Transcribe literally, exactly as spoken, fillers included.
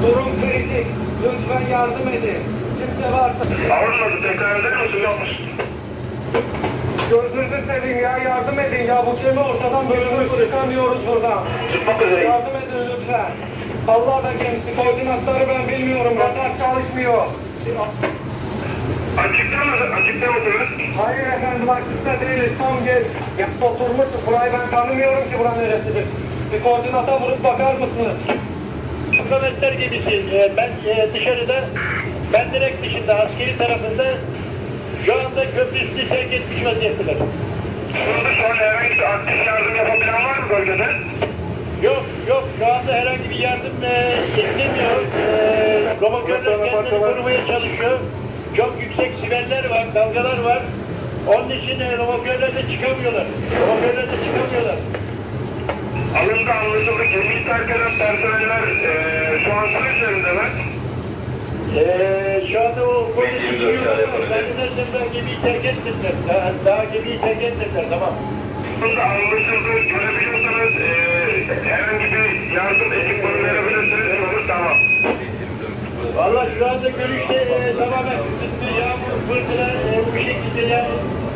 Durum kritik. Lütfen yardım edin. Kimse varsa... Anlamadım. Tekrar eder misin? Yapmış. Gözünüzü seveyim ya, yardım edin ya. Bu gemi ortadan bölünmüş, çıkamıyoruz buradan. Çıkmak üzereyim. Yardım edin lütfen. Allah da gemisi, koordinatları ben bilmiyorum. Radar çalışmıyor. Açıkta mı? Açıkta mısınız? Hayır efendim, açıkta değiliz. Tam gel. Ya oturmuşuz. Burayı ben tanımıyorum ki buranın neresidir. Bir koordinata vurup bakar mısınız? Hükümetler gemisi. Ee, ben e, dışarıda, ben direkt dışında, askeri tarafında şu anda köprü üstü terk etmiş vaziyetteler. Burada şu an herhangi bir aktif yardım yapabilen var mı bölgede? Yok, yok. Şu anda herhangi bir yardım e, istemiyor. E, Romokörler kendini korumaya çalışıyor. Çok yüksek siveller var, dalgalar var. Onun için e, romokörler de çıkamıyorlar. Romokörler de çıkamıyorlar. Alındı anlaşıldı. Gemiyi terk eden personeller eee şu an su üzerindeler. Ee, şu anda o polisi yiyorlar ama zannedersem daha gemiyi terk etmediler. Daha, daha gemiyi terk etmediler, tamam. Bunda anlaşıldı. Görebiliyorsanız eee herhangi bir yardım ekipmanı verebilirsiniz. Olur tamam. Valla şu anda görüşte e, tamamen kısıtlı, yağmur, fırtına e, bu şekilde yani